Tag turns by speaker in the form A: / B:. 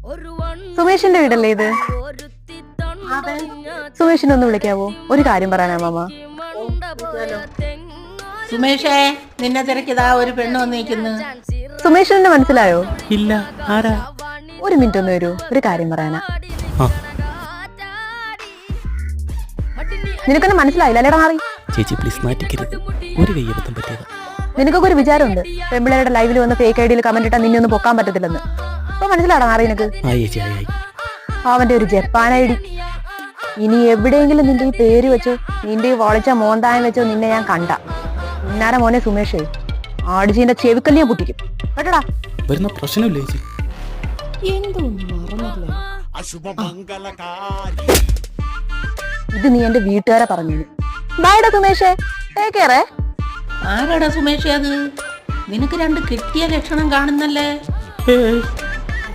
A: സുമേഷിന്റെ വീടല്ലേ ഇത്? സുമേഷിനെ ഒന്ന് വിളിക്കാവോ? ഒരു കാര്യം പറയാനാ മാമ.
B: സുമേഷേ, നിന്നെ തിരക്കിതാ ഒരു പെണ്ണ് വന്നിരിക്കുന്നു.
A: സുമേഷിനെ മനസ്സിലായോ?
C: ഇല്ല, ആരാ?
A: ഒരു മിനിറ്റ് ഒന്ന് വരൂ, ഒരു കാര്യം പറയാനാ. നിനക്കൊന്നും മനസ്സിലായില്ല അല്ലേടാ മാറി?
C: ചേച്ചി പ്ലീസ് മാറ്റിക്കരുത്, ഒരു കയ്യബദ്ധം പറ്റിയതാ.
A: നിനക്കൊക്കെ ഒരു വിചാരമുണ്ട് പെമ്പിളയുടെ ലൈവിൽ വന്ന് ഫേക്ക് ഐഡിയിൽ കമന്റ് ഇട്ടാ നിന്നെ ഒന്നും പൊക്കാൻ പറ്റത്തില്ലെന്ന്. അപ്പൊ മനസ്സിലാടാ മാറി നിനക്ക്? അവന്റെ ഒരു ജപ്പാൻ ഐഡി. ഇനി എവിടെയെങ്കിലും നിന്റെ ഈ പേര് വെച്ചോ, നിന്റെ ഈ വളച്ച മോന്തായം വെച്ചോ നിന്നെ ഞാൻ കണ്ട ഇന്നാര മോനെ സുമേഷേ, ആടിജീന്റെ ചെവിക്കല്ലിയെ പൊട്ടിക്കും കേട്ടടാ.
C: വരുന്ന പ്രശ്നമില്ല ചേച്ചി.
A: ഇത് നീ എന്റെ വീട്ടുകാരെ പറഞ്ഞു. ബൈഡാ സുമേഷേ, ടേക്ക് കെയർ.
B: ആരാടാ സുമേഷേ അത്? നിനക്ക് രണ്ട് കിട്ടിയ ലക്ഷണം കാണുന്നല്ലേ?